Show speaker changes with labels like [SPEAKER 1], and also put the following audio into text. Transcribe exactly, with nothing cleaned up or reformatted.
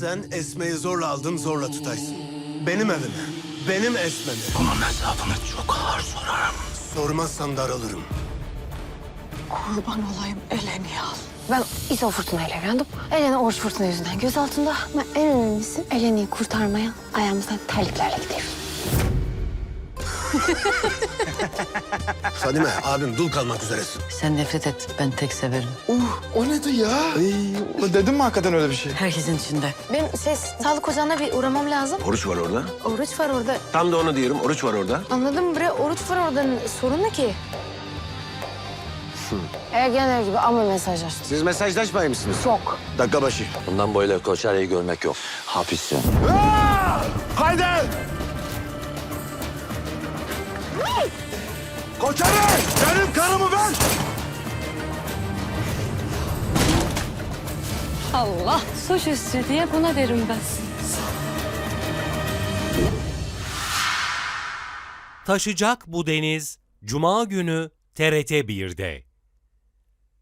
[SPEAKER 1] Sen Esme'yi zorla aldın, zorla tutaysın. Benim evime, benim Esme'mi.
[SPEAKER 2] Bunun hesabını çok ağır sorarım.
[SPEAKER 1] Sormazsan daralırım.
[SPEAKER 3] Kurban olayım, Eleni al.
[SPEAKER 4] Ben İso Fırtına ile evlendim. Eleni Oruç Fırtına yüzünden göz altında. Ama en önemlisi Eleni'yi kurtarmaya ayağımızdan terliklerle gidiyoruz.
[SPEAKER 1] Fadime, abim dul kalmak üzeresin.
[SPEAKER 5] Sen nefret et, ben tek severim.
[SPEAKER 6] O nedir ya? Ay, dedim mi hakikaten öyle bir şey?
[SPEAKER 5] Herkesin içinde.
[SPEAKER 4] Benim şey, sağlık ocağına bir uğramam lazım.
[SPEAKER 7] Oruç var orada.
[SPEAKER 4] Oruç var orada.
[SPEAKER 7] Tam da onu diyorum. Oruç var orada.
[SPEAKER 4] Anladın mı bre? Oruç var orada. Sorun ne ki? Ergenler gibi ama mesaj açtı.
[SPEAKER 7] Siz mesajlaşmayı mısınız?
[SPEAKER 4] Çok.
[SPEAKER 7] Dakika başı.
[SPEAKER 2] Bundan böyle Koçer'i görmek yok. Hapissin.
[SPEAKER 7] Haydi! Koçarı! Benim karımı ver!
[SPEAKER 4] Allah suçüstü diye buna derim ben.
[SPEAKER 8] Taşacak bu deniz Cuma günü T R T bir'de.